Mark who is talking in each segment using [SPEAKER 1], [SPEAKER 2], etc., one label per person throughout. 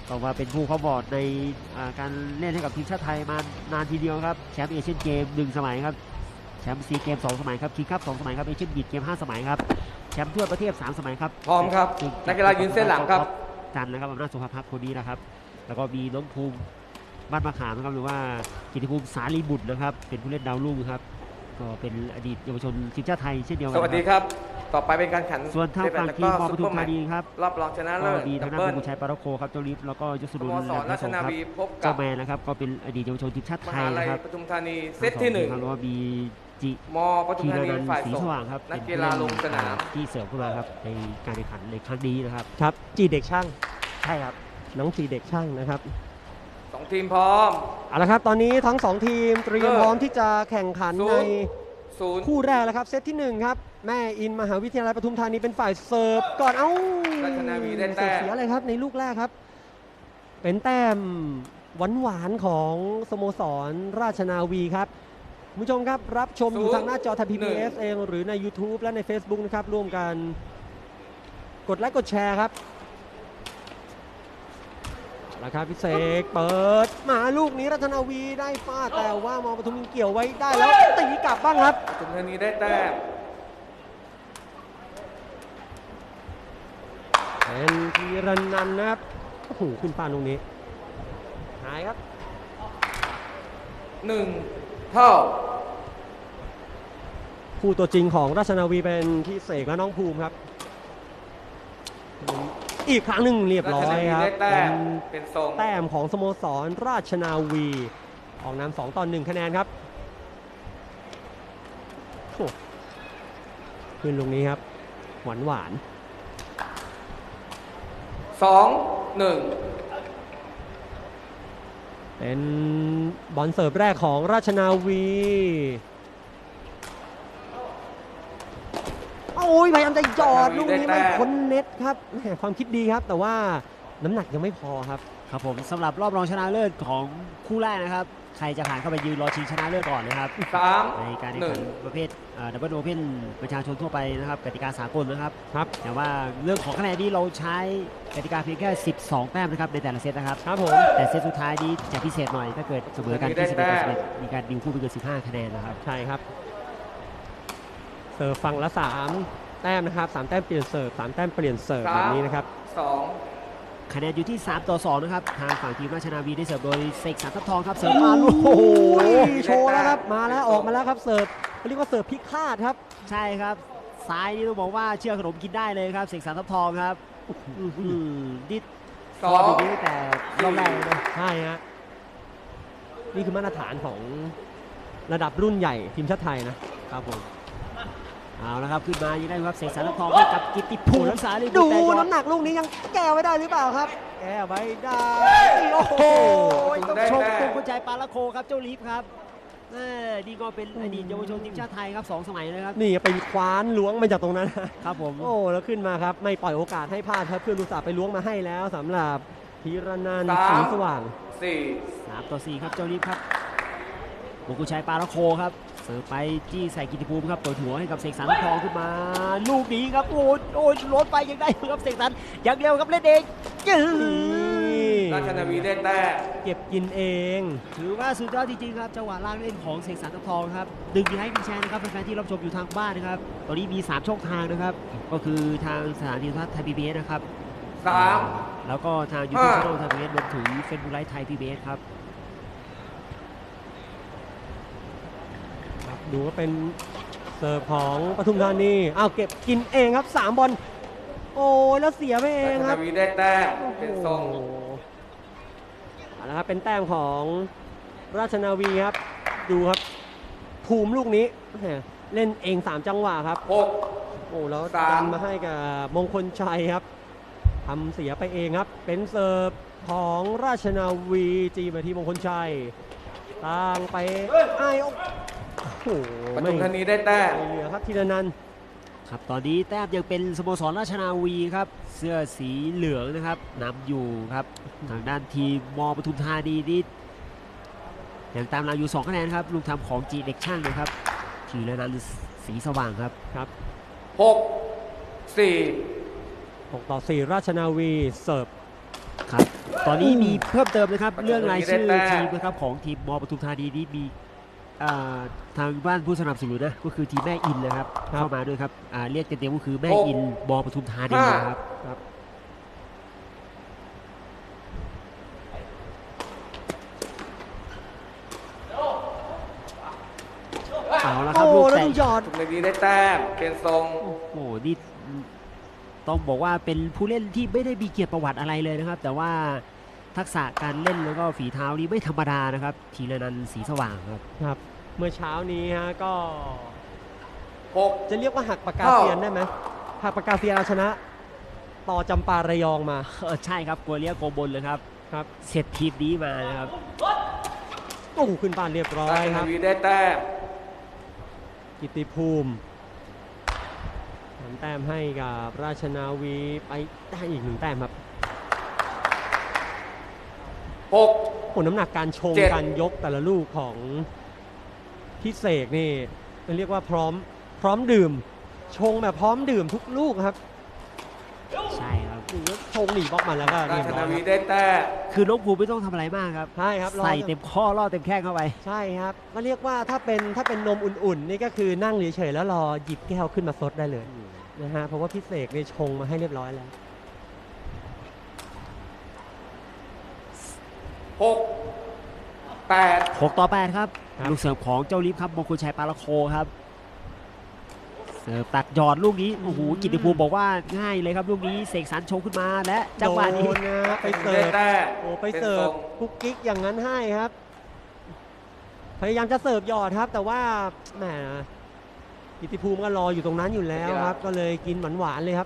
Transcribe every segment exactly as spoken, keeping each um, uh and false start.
[SPEAKER 1] ก็มาเป็นผู้เข้าบอร์ดในการเล่นให้กับทีมชาติไทยมานานทีเดียวครับแชมป์เอเชียนเกมหนึ่งสมัยครับแชมป์ซีเกมสองสมัยครับคิงคัพสองสมัยครับเอเชียนบีดเกมห้าสมัยครับแชมป์ทั่วประเทศสามสมัยครับ
[SPEAKER 2] พร้อมครับนักกีฬายืนเส้นหลังครับ
[SPEAKER 1] จันนะครับอำนาจสุภาพัฒน์คนนี้นะครับแล้วก็มีน้องภูมิบ้านมะขามนะครับหรือว่ากิติภูมิสาลีบุตรนะครับเป็นผู้เล่นดาวรุ่งครับก็เป็นอดีตเยาวชนทีมชาติไทยเช่นเดียวกัน
[SPEAKER 2] สวัสดีครับต่อไปเป็นการขัน
[SPEAKER 1] ส่วนทางฝั่งทีมมอปทุมธานีครับ
[SPEAKER 2] รอบรองชนะเลิศ
[SPEAKER 1] มีทางด้านบุญชัยปาระโคครับเจ้าลิฟแล้วก็ยศดุลและพระสงฆ์ครับเจ้าแมนนะครับก็เป็นอดีตเยาวชนทีมชาติไทยนะครับ
[SPEAKER 2] ปทุมธานีเซตที่หนึ่ง
[SPEAKER 1] แล้วก็มีจิ
[SPEAKER 2] มอปทุมธานีฝ่าย
[SPEAKER 1] สีสว่างครับ
[SPEAKER 2] นักกีฬาลงสนาม
[SPEAKER 1] ที่เสริมขึ้นมาครับในการแข่งขันในครั้งนี้นะครับ
[SPEAKER 3] ครับจีเด็กช่าง
[SPEAKER 1] ใช่ครับ
[SPEAKER 3] น้องจีเด็กช่างนะครับ
[SPEAKER 2] สองทีมพร้อม
[SPEAKER 3] เอาละครับตอนนี้ทั้งสองทีมเตรียมพร้อมที่จะแข่งขันในคู่แรกแล้วครับเซตที่หนึ่งครับแม่อินมหาวิทยาลัยปทุมธานีเป็นฝ่ายเสิร์ฟก่อนเอ้า
[SPEAKER 2] ราชนาวีได้แต้ม
[SPEAKER 3] เสียเลยครับในลูกแรกครับเป็นแต้มหวานๆของสโมสรราชนาวีครับคุณผู้ชมครับรับชมอยู่ทางหน้าจอไทย พี บี เอส เองหรือใน YouTube และใน Facebook นะครับร่วมกันกดไลค์กดแชร์ครับราคาพิเศษเปิดมาลูกนี้ราชนาวีได้ฟาดแต่ว่ามอปทุมเกี่ยวไว้ได้แล้วตีกลับบ้างครับ
[SPEAKER 2] ปทุมธานีได้แต้ม
[SPEAKER 3] เป็นธีรนันท์นะครับโอ้โหขึ้นปานตรงนี้หายครับ
[SPEAKER 2] หนึ่งเท่า
[SPEAKER 3] คู่ตัวจริงของราชนาวีเป็นที่เสกและน้องภูมิครับอีกครั้งหนึ่งเรียบร้อยครับ
[SPEAKER 2] เป็นทรง
[SPEAKER 3] แต้มของสโมสรราชนาวีออกนำสองต่อหนึ่งคะแนนครับขึ้นตรงนี้ครับหวานหวาน
[SPEAKER 2] สองหนึ่ง
[SPEAKER 3] เป็นบอลเสิร์ฟแรกของราชนาวีโอ้ยพยายามจะหยอดลูกนี้ไม่พ้นเน็ตครับความคิดดีครับแต่ว่าน้ำหนักยังไม่พอครับ
[SPEAKER 1] ครับผมสำหรับรอบรองชนะเลิศของคู่แรกนะครับใครจะผ่านเข้าไปยืนรอชิงชนะเลิศก่อนนะครับในการแข่งขันประเภทดับเบิลโอเพ่นประชาชนทั่วไปนะครับกติกาสากลนะครับ
[SPEAKER 3] ครับ
[SPEAKER 1] แต่ว่าเรื่องของคะแนนนี้เราใช้กติกาเพียงแค่สิบสองแต้มนะครับในแต่ละเซตนะครับ
[SPEAKER 3] ครับผม
[SPEAKER 1] แต่เซตสุดท้ายนี้จะพิเศษหน่อยถ้าเกิดเสมอกันที่สิบเอ็ดต่อสิบเอ็ดมีการดิวคู่ไปเกินสิบห้าคะแนนนะครับ
[SPEAKER 3] ใช่ครับเสิร์ฟฝั่งละสามแต้มนะครับสามแต้มเปลี่ยนเสิร์ฟสามแต้มเปลี่ยนเสิร์ฟแบบนี้นะครับ
[SPEAKER 2] สอง
[SPEAKER 1] คะแนนอยู่ที่สามต่อสองนะครับทางฝั่งทีมราชนาวีได้เสิร์ฟโดยเสกสรรทัพทองครับเสิร์ฟมาลูก
[SPEAKER 3] โอ้โหโชว์แล้วครับมาแล้วออกมาแล้วครับเสิร์ฟเรียกว่าเสิร์ฟพิฆาตครับ
[SPEAKER 1] ใช่ครับซ้ายนี่ต้องบอกว่าเชื่อขนมกินได้เลยครับเสกสรรทัพทองครับดิด
[SPEAKER 2] สอง
[SPEAKER 1] นี้แต่รอบแรกเลย
[SPEAKER 3] ใช่ฮะนี่คือมาตรฐานของระดับรุ่นใหญ่ทีมชาติไทยนะครับผม
[SPEAKER 1] เอาละครับขึ้นมายังได้ครับเสกสรรทัพทองให้กับกิตติภูมิสาลี
[SPEAKER 3] ดูน้ำหนักลูกนี้ยังแก้ไว้ได้หรือเปล่าครับแก้ไว้ได้โอ้โห
[SPEAKER 1] ต้องชมคุณกุญใจปาละโคครับเจ้าลิฟครับนี่ก็เป็นอดีตเยาวชนทีมชาติไทยครับสองสมัยเลยครับ
[SPEAKER 3] นี่ไปคว้านล้วงมาจากตรงนั้น
[SPEAKER 1] ครับผม
[SPEAKER 3] โอ้แล้วขึ้นมาครับไม่ปล่อยโอกาสให้พลาดครับเพื่อนอุตส่าห์ไปล้วงมาให้แล้วสำหรับธีรนันท์สีสว่าง
[SPEAKER 2] สี่
[SPEAKER 1] สามต่อสี่ครับเจ้าลิฟครับคุณกุญใจปาละโคครับเสิร์ฟไปจี้ใส่กิติภูมิครับเปิดหัวให้กับเสกสรรทัพทองขึ้นมาลูกนี้ครับโอ้ยโอ้ยล้นไปยังได้ครับเสกสรรอย่างเร็วครับเล่นเองจื้อ
[SPEAKER 2] ราชนาวีได้แต้ม
[SPEAKER 3] เก็บกินเอง
[SPEAKER 1] ถือว่าสุดยอดจริงๆครับจังหวะล่างเล่นของเสกสรรทัพทองครับดึงให้เป็นแชร์นะครับแฟนๆที่รับชมอยู่ทางบ้านนะครับตอนนี้มีสามช่องทางนะครับก็คือทางสถานีโทรทัศน์ไทย พี บี เอส นะครับ
[SPEAKER 2] สาม
[SPEAKER 1] แล้วก็ทางยูทูบช่องไทย พี บี เอส รวมถึงเฟซบุ๊กไลฟ์ไทย พี บี เอส ครับ
[SPEAKER 3] ดูว่าเป็นเสิร์ฟของปทุมธานีอ้าวเก็บกินเองครับสามบอลโอ้แล้วเสียไปเองครับ
[SPEAKER 2] ราชนาวีได้แต้มเป็นทรง
[SPEAKER 3] เอาละครับเป็นแต้มของราชนาวีครับดูครับภูมิลูกนี้เล่นเองสามจังหวะครับ
[SPEAKER 2] หก
[SPEAKER 3] โอ้แล้วดันมาให้กับมงคลชัยครับทำเสียไปเองครับเป็นเสิร์ฟของราชนาวีจีมาที่มงคลชัยตั้งไปไอ้
[SPEAKER 2] ปทุมธานีได้แต้ม
[SPEAKER 3] เหลือครับธีรนันท์
[SPEAKER 1] ครับตอนนี้แต้มยังเป็นสโมสรราชนาวีครับเสื้อสีเหลืองนะครับนำอยู่ครับทางด้านทีมมอปทุมธานีนี่ยังตามเราอยู่สองคะแนนครับลูกทำของจีเด็กช่างนะครับธีรนันท์สีสว่างครับ
[SPEAKER 3] ครับ
[SPEAKER 2] หกสี่
[SPEAKER 3] หกต่อสี่ราชนาวีเสิร์ฟ
[SPEAKER 1] ครับตอนนี้มีเพิ่มเติมนะครับ
[SPEAKER 2] ปัจจุบัน
[SPEAKER 1] เรื่องรายชื่อ
[SPEAKER 2] มีได้แต้ม
[SPEAKER 1] ทีมนะครับของทีมมปทุมธานีนี้มีอ่าทางบ้านผู้สนับสนุนนะก็คือทีมแม่อินนะครับ
[SPEAKER 3] ครับ
[SPEAKER 1] เข้ามาด้วยครับอ่าเรียกเต็มๆก็คือแม่
[SPEAKER 2] หก
[SPEAKER 1] อินมปทุมธานี
[SPEAKER 2] ห้า
[SPEAKER 1] นะครับ
[SPEAKER 3] ครับ
[SPEAKER 1] เอาละครับ
[SPEAKER 3] โอ้
[SPEAKER 1] ลูก
[SPEAKER 3] แล้ว
[SPEAKER 1] แต่
[SPEAKER 3] ดูหยอด
[SPEAKER 2] ทุกนาทีได้แต้มเปลี่ยนทรง
[SPEAKER 1] โอ้โหนี่ต้องบอกว่าเป็นผู้เล่นที่ไม่ได้มีเกียรติประวัติอะไรเลยนะครับ แต่ว่าทักษะการเล่นแล้วก็ฝีเท้านี่ไม่ธรรมดานะครับทีละนันท์สีสว่างครับ
[SPEAKER 3] ครับ เมื่อเช้านี้ฮะก็
[SPEAKER 2] หก
[SPEAKER 3] จะเรียกว่าหักปากกา
[SPEAKER 2] เท่า
[SPEAKER 3] เซียนได้ไหมหักปากกาเซียนเอาชนะ ต่อจำปาระยองมา
[SPEAKER 1] เออใช่ครับกัวเลียโกบนเลยครับ
[SPEAKER 3] ครับ
[SPEAKER 1] เสร็จทีมนี้มานะครับ
[SPEAKER 3] โอ้โหขึ้นบ้านเรียบร้อ
[SPEAKER 2] ราย ช
[SPEAKER 3] ค
[SPEAKER 2] นา
[SPEAKER 3] รับ
[SPEAKER 2] วีได้แต้ม
[SPEAKER 3] กิตติภูมิทำแต้มให้กับราชนาวีไปได้อีกหนึ่งแต้มครับ
[SPEAKER 2] หก
[SPEAKER 3] โอ้น้ำหนักการชง
[SPEAKER 2] เจ็ด
[SPEAKER 3] การยกแต่ละลูกของพิเศษนี่เรียกว่าพร้อมพร้อมดื่ม ชงแบบพร้อมดื่มทุกลูกครับ
[SPEAKER 1] ใช่ครับ
[SPEAKER 3] นี่ก็ชงหนีบออกมาแล้วก็
[SPEAKER 2] รา
[SPEAKER 3] เรียบ
[SPEAKER 2] ช
[SPEAKER 3] ร้
[SPEAKER 2] นา
[SPEAKER 3] อยค
[SPEAKER 2] วี
[SPEAKER 3] รับ
[SPEAKER 2] ได้แต้ม
[SPEAKER 1] คือน้องภูมิไม่ต้องทำอะไรมากครับ
[SPEAKER 3] ใช่ครับรอ
[SPEAKER 1] ใส่เต็มข้อล่อเต็มแข้งเข้าไป
[SPEAKER 3] ใช่ครับก็เรียกว่าถ้าเป็นถ้าเป็นนมอุ่นๆ นี่ก็คือนั่งเฉยๆแล้วรอหยิบแก้วขึ้นมาซดได้เลยนะฮะเพราะว่าพิเศษนี่ชงมาให้เรียบร้อยแล้ว
[SPEAKER 2] หกแปด
[SPEAKER 1] หกต่อแปดครับ
[SPEAKER 3] ครับ
[SPEAKER 1] ลูกเสิร์ฟของเจ้าลิฟครับมงคลชัยปาละโคครับ เสิร์ฟตัดหยอดลูกนี้ โอ้โห กิตติภูมิบอกว่าง่ายเลยครับลูกนี้ เสกสรรชงขึ้นมาและจังหวะนี้
[SPEAKER 3] โดนนะไปเสิ
[SPEAKER 2] ได้
[SPEAKER 3] ร์ฟ
[SPEAKER 2] แต้ม
[SPEAKER 3] โอ้ไป
[SPEAKER 2] น
[SPEAKER 3] เสิร์
[SPEAKER 2] ท
[SPEAKER 3] ฟ
[SPEAKER 2] ง
[SPEAKER 3] คุกกิ๊กอย่างนั้นให้ครับ พยายามจะเสิร์ฟหยอดครับ แต่ว่าแหมกิตติภูมิก็รออยู่ตรงนั้นอยู่แล้วครับ ก็เลยกินหวานๆเลยครับ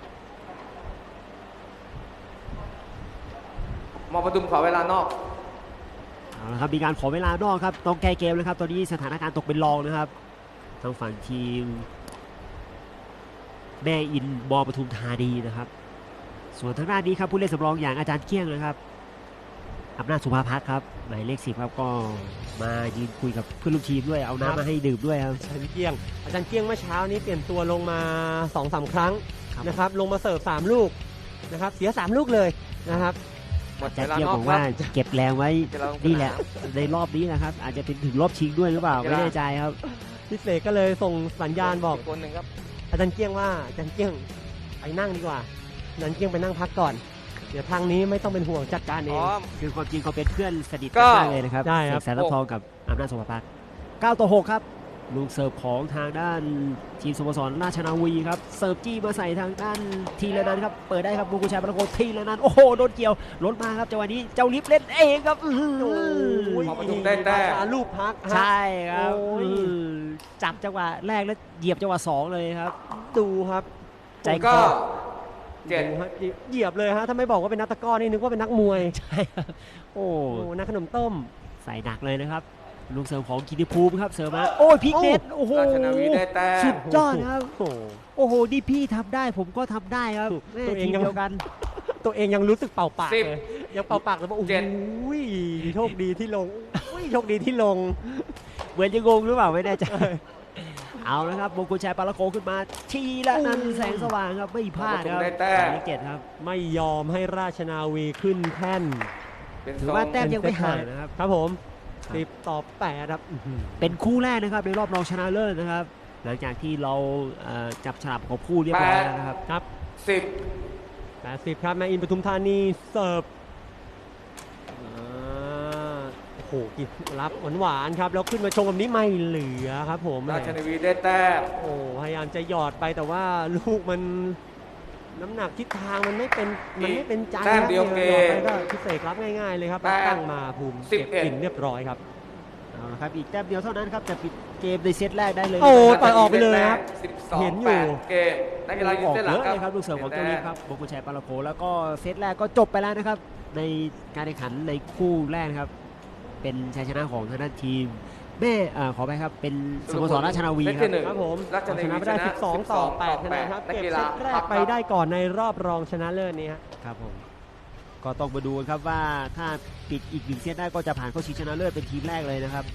[SPEAKER 2] มอปทุมขอเวลานอก
[SPEAKER 1] เอาละครับมีการขอเวลานอกครับต้องแก้เกมแล้วครับ ตอนนี้สถานการณ์ตกเป็นรองนะครับทางฝั่งทีมแม่อินบอปทุมธานีนะครับ ส่วนทางด้านนี้ครับผู้เล่นสำรองอย่างอาจารย์เกี้ยงนะครับอำนาจสุภาพักครับหมายเลขสิบครับก็มายืนคุยกับเพื่อนร่วมทีมด้วยเอา
[SPEAKER 3] ครับ
[SPEAKER 1] น้ำมาให้ดื่มด้วยครับ
[SPEAKER 3] อาจารย์เกี้ยง อาจารย์เกี้ยงเมื่อเช้านี้เปลี่ยนตัวลงมาสองสามครั้ง
[SPEAKER 1] ครับ
[SPEAKER 3] นะครับ ลงมาเสิร์ฟสามลูกนะครับ เสียสามลูกเลยนะครับ
[SPEAKER 2] หมด
[SPEAKER 1] อา
[SPEAKER 2] เว
[SPEAKER 1] จารย์
[SPEAKER 2] ลา
[SPEAKER 1] เกี้ยง
[SPEAKER 2] นอบ ก
[SPEAKER 1] อก
[SPEAKER 2] ครั
[SPEAKER 1] ว่า
[SPEAKER 2] บ
[SPEAKER 1] เก็บแรงไว้
[SPEAKER 2] เดี๋ยวเรา
[SPEAKER 1] นี่แหละในรอบนี้นะครับ อาจจะเป็นถึงรอบชิงด้วยหรือเปล่าไม่แน่ใจครับ
[SPEAKER 3] พิเศษก็เลยส่งสัญญาณบอก
[SPEAKER 2] คนหนึ่งครับ
[SPEAKER 3] อาจารย์เกี้ยงว่าอาจารย์เกี้ยงไปนั่งดีกว่าอาจารย์เกี้ยงไปนั่งพักก่อน เดี๋ยวทางนี้ไม่ต้องเป็นห่วงจัดการ
[SPEAKER 2] พ
[SPEAKER 3] เอ
[SPEAKER 2] ร้
[SPEAKER 3] ง
[SPEAKER 2] อม
[SPEAKER 1] คือความจริงเขาเป็นเพื่อนสนิท
[SPEAKER 2] ก็
[SPEAKER 1] กันมากเลยนะครับ
[SPEAKER 3] ใช่ครับ
[SPEAKER 1] เสกสรรรับทองกับอำนาจสุภาพักเก้าต่อหกครับลูกเสิร์ฟของทางด้านทีมสโมสรราชนาวีครับเสิร์ฟจี้มาใส่ทางด้านทีละนันท์ครับเปิดได้ครับบุกุชัยปรโกทีละนันท์โอ้โหโดนเกี่ยวล้นมาครับจังหวะนี้เจ้าลิฟเล่นเองครับอื้อหือ
[SPEAKER 3] โอ้ย
[SPEAKER 2] พอปทุมได้แต้ม
[SPEAKER 3] ราชาลูกพักฮะ
[SPEAKER 1] ใช่ครับ
[SPEAKER 3] โอ้ย
[SPEAKER 1] อื้อจับจังหวะแรกแล้วเหยียบจังหวะสองเลยครับ
[SPEAKER 3] ดูครับ
[SPEAKER 1] ใจค
[SPEAKER 2] ก็
[SPEAKER 1] อ
[SPEAKER 2] เจ็ด
[SPEAKER 3] ดูฮะเหยียบเลยฮะถ้าไม่บอกว่าเป็นนักตะกร้อนี่นึกว่าเป็นนักมวย
[SPEAKER 1] ใช่ครับโอ้
[SPEAKER 3] โอ้นักขนมต้ม
[SPEAKER 1] ใส่หนักเลยนะครับลูกเสิร์ฟของกิติภูมิครับเสิร์ฟมาโอ้ยพลิกเน็ตโอ้โห
[SPEAKER 2] ราชนาวีได้แต้ม
[SPEAKER 1] สุดยอดนะครับ
[SPEAKER 3] โอ้โห
[SPEAKER 1] โอ้โหนี่พี่ทำได้ผมก็ทำได้ครับ
[SPEAKER 3] ถูก
[SPEAKER 1] แม่
[SPEAKER 3] ตัวเอง
[SPEAKER 1] ทีม
[SPEAKER 3] ยัง
[SPEAKER 1] เดียวกัน
[SPEAKER 3] ตัวเองยังรู้สึกเป่าปาก
[SPEAKER 2] สิบ
[SPEAKER 3] เลยยังเป่าปากเลยว่าโอ้โห
[SPEAKER 2] เจ็ด
[SPEAKER 3] โชคดีที่ลงอุ้ยโชคดีที่ลง
[SPEAKER 1] เหมือนจะงงหรือเปล่าไม่แน่ใจ เอาละครับมงคลชัยปาละโกขึ้นมาทีละนันท์แสงสว่างครับไม่พลาดครับ
[SPEAKER 2] ได้แต้ม
[SPEAKER 1] หมายเลขเจ็ดครับ
[SPEAKER 3] ไม่ยอมให้ราชนาวีขึ้นแท่น
[SPEAKER 2] เป็น
[SPEAKER 1] ถื
[SPEAKER 2] ท
[SPEAKER 1] อ
[SPEAKER 2] รง
[SPEAKER 1] ว่าแต้มยังไม่ห่างนะครับ
[SPEAKER 3] ครับผม
[SPEAKER 1] ครับ
[SPEAKER 3] สิบต่อแปดครับอื้อหือ
[SPEAKER 1] เป็นคู่แรกนะครับในรอบรองชนะเลิศนะครับ หลังจากที่เราเอ่อจับฉลากของคู่เรียบร้อยแล้วนะครับ
[SPEAKER 3] ครับ
[SPEAKER 2] สิบ
[SPEAKER 3] แปดสิบครับแมอินปทุมธานีเสิร์ฟอ่าโอ้โหกินรับหวานๆครับแล้วขึ้นมาชงแบบนี้ไม่เหลือครับผม
[SPEAKER 2] ราชนาวีได้แต้ม
[SPEAKER 3] โอ้พยายามจะหยอดไปแต่ว่าลูกมันน้ำหนักทิศทางมันไม่เป็นมันไม่เป็นใจ
[SPEAKER 2] แต้ม
[SPEAKER 3] ครับ
[SPEAKER 2] เดียวเก
[SPEAKER 3] หยอด
[SPEAKER 2] ม
[SPEAKER 3] ไปก็พิเศษรับง่ายๆเลยครับ
[SPEAKER 2] แต้ม
[SPEAKER 3] ตั้งมาภูมิ
[SPEAKER 2] สิบ
[SPEAKER 3] เก็บ
[SPEAKER 2] เอ็ด
[SPEAKER 3] กินเรียบร้อยครับ
[SPEAKER 1] เอาละครับอีกแต้มเดียวเท่านั้นครับจะปิดเกมในเซตแรกได้เลย
[SPEAKER 3] โอ้
[SPEAKER 1] นะครับ
[SPEAKER 3] ปล่อยออกไปเลยครับ
[SPEAKER 2] สิบสอง
[SPEAKER 3] เห็นอยู่
[SPEAKER 2] แปดเกมนักกีฬายื
[SPEAKER 1] อน อก
[SPEAKER 2] เส้นห
[SPEAKER 1] เย
[SPEAKER 2] ลัง
[SPEAKER 1] อะ
[SPEAKER 2] ครับ
[SPEAKER 1] เลยครับลูกเสิร์ฟของเจ้าลิฟครับมงคลชัยปาละโกแล้วก็เซตแรกก็จบไปแล้วนะครับ ในการแข่งขันในคู่แรกนะครับ เป็นชัยชนะของทางด้านทีมแม่เอ่อขอไปครับเป็นสโมสรราชนาวี
[SPEAKER 2] เซต
[SPEAKER 1] ครั
[SPEAKER 2] ที่
[SPEAKER 1] บ
[SPEAKER 2] หนึ่ง
[SPEAKER 3] ครับผม
[SPEAKER 2] ราชนาวี
[SPEAKER 3] ชนะไปได้
[SPEAKER 2] ชนะ
[SPEAKER 3] สิบสองต่อแปด
[SPEAKER 2] สิบสอง
[SPEAKER 3] คะแนนครับ
[SPEAKER 2] นัก
[SPEAKER 3] เก็บ
[SPEAKER 2] กีฬา
[SPEAKER 3] เซตแร
[SPEAKER 2] ครั
[SPEAKER 3] ก
[SPEAKER 2] บ
[SPEAKER 3] ไปได้ก่อนในรอบรองชนะเลิศนี้ฮะ
[SPEAKER 1] ครับผมก็ต้องมาดูกันครับว่าถ้าปิดอีกหนึ่งเซตได้ก็จะผ่านเข้าชิงชนะเลิศเป็นทีมแรกเลยนะครับ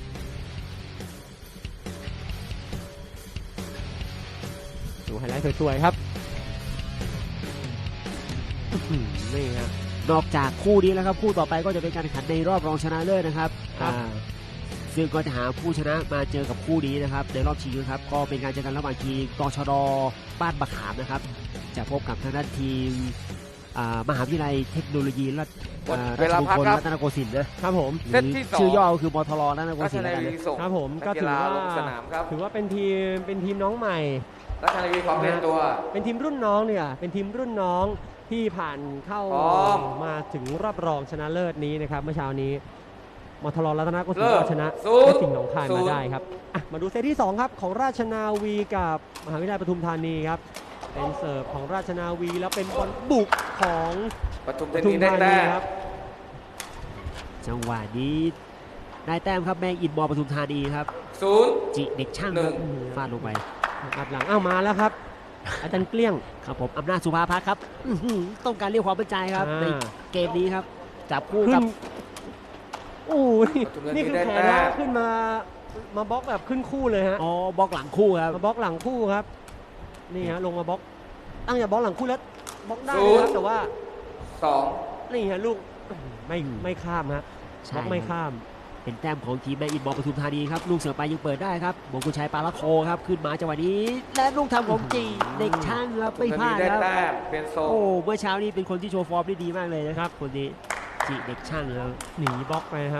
[SPEAKER 3] ดูไฮไลท์สวยๆครับอื้อหือนี่ฮะ
[SPEAKER 1] นอกจากคู่นี้แล้วครับคู่ต่อไปก็จะเป็นการแข่งขันในรอบรองชนะเลิศนะครับ
[SPEAKER 3] ครับ
[SPEAKER 1] อ่าซึ่งก็จะหาผู้ชนะมาเจอกับคู่นี้นะครับในรอบชิงนะครับก็เป็นการเจอกันระหว่างทีมกชดบ้านบะขามนะครับจะพบกับทางด้านทีมอ่ามหาวิทยาลัยเทคโนโลยีรัฐอ่า
[SPEAKER 2] เวลา
[SPEAKER 1] ราชมง
[SPEAKER 2] พัก
[SPEAKER 1] คล
[SPEAKER 2] ครับ
[SPEAKER 1] รัตนโกสินทร์นะครับ
[SPEAKER 3] ผม
[SPEAKER 1] ห
[SPEAKER 2] เซ
[SPEAKER 1] รื
[SPEAKER 2] ต
[SPEAKER 1] อ
[SPEAKER 2] ที่สอง
[SPEAKER 1] ชื่อย่อก็คือมทรรัตนโก
[SPEAKER 2] รา
[SPEAKER 1] สิ
[SPEAKER 2] ช
[SPEAKER 1] นทร์
[SPEAKER 2] นา
[SPEAKER 1] แล้วกัน
[SPEAKER 2] วี
[SPEAKER 1] นะ
[SPEAKER 2] ส่ง
[SPEAKER 3] ครับผมก็
[SPEAKER 2] นั
[SPEAKER 3] ถือ
[SPEAKER 2] ฬ
[SPEAKER 3] ว่า
[SPEAKER 2] ลงสนามครับ
[SPEAKER 3] ถือว่าเป็นทีมเป็นทีมน้องใหม่
[SPEAKER 2] ราชนาวีความเป็นตัว
[SPEAKER 3] เป็นทีมรุ่นน้องเนี่ยเป็นทีมรุ่นน้องที่ผ่านเข้า
[SPEAKER 2] พร้อม
[SPEAKER 3] มาถึงรอบรองชนะเลิศนี้นะครับเมื่อเช้านี้มทรรัตนโกสินท
[SPEAKER 2] เลิ
[SPEAKER 3] ร์
[SPEAKER 2] ก
[SPEAKER 3] ก็ชนะ
[SPEAKER 2] ศูนย์
[SPEAKER 3] และสิ่งห์หนองคาย
[SPEAKER 2] ศู
[SPEAKER 3] มาน
[SPEAKER 2] ย์
[SPEAKER 3] ได้ครับอ่ะมาดูเซตที่สองครับของราชนาวีกับมหาวิทยาลัยปทุมธานีครับเป็นเสิร์ฟของราชนาวีแล้วเป็นบอลบุกของ
[SPEAKER 2] ปทุม
[SPEAKER 3] ป
[SPEAKER 2] ธา
[SPEAKER 3] ทุ
[SPEAKER 2] นี
[SPEAKER 3] ม
[SPEAKER 2] ได้
[SPEAKER 3] ธา
[SPEAKER 2] แต้
[SPEAKER 3] นี
[SPEAKER 2] ม
[SPEAKER 3] ครับ
[SPEAKER 1] จังหวะนี้ได้แต้มครับแม่อินมอปทุมธานีครับ
[SPEAKER 2] ศูนย์
[SPEAKER 1] จิเด็กช่าง
[SPEAKER 2] หนึ่
[SPEAKER 1] ครับ
[SPEAKER 2] ง
[SPEAKER 1] ฟาดลงไป
[SPEAKER 3] อัดหลังอ้าวมาแล้วครับ อาจารย์เกลี้ยง
[SPEAKER 1] ครับผมอำนาจสุภาพักครับอื้อหือต้องการเรียกความมั่นใจครับ
[SPEAKER 3] อ่า
[SPEAKER 1] ในเกมนี้ครับจับคู่
[SPEAKER 3] ขึ้
[SPEAKER 1] กับ
[SPEAKER 3] นโอ้ย
[SPEAKER 2] ปทุมธานี
[SPEAKER 3] นี่คือ
[SPEAKER 2] ได้
[SPEAKER 3] แขน
[SPEAKER 2] แต้
[SPEAKER 3] นะ
[SPEAKER 2] ม
[SPEAKER 3] ขึ้นมามาบล็อกแบบขึ้นคู่เลยฮะ
[SPEAKER 1] อ๋อบล็อกหลังคู่ครับ
[SPEAKER 3] มาบล็อกหลังคู่ครับ นี่ฮะลงมาบล็อกตั้งอย่าบล็อกหลังคู่แล้วบล็อกได้
[SPEAKER 2] ศู
[SPEAKER 3] นะ
[SPEAKER 2] นย์
[SPEAKER 3] ครับแต่ว่า
[SPEAKER 2] สอง
[SPEAKER 3] นี่ฮะลูกไม่ไม่ข้ามฮะบ
[SPEAKER 1] ใช่
[SPEAKER 3] ล็อกไม่
[SPEAKER 1] ครับ
[SPEAKER 3] ข้าม
[SPEAKER 1] เป็นแต้มของทีมแม่อินมอปทุมธานีครับลูกเสือไปยังเปิดได้ครับมงกุลชัยปาละโคครับขึ้นมาจังหวะนี้ และลูกทำของจีเด็กช่างครับ
[SPEAKER 2] ป
[SPEAKER 1] ไม่
[SPEAKER 2] ทุม
[SPEAKER 1] พลา
[SPEAKER 2] ธา
[SPEAKER 1] ด
[SPEAKER 2] นีได้
[SPEAKER 1] ครับ
[SPEAKER 2] แต้มเป็นทรง
[SPEAKER 1] โอ้เมื่อเช้านี้เป็นคนที่โชว์ฟอร์มได้ดีมากเลยนะครับคนนี้จีเด็กช่างครับ
[SPEAKER 3] หนีบล็อกไปครับ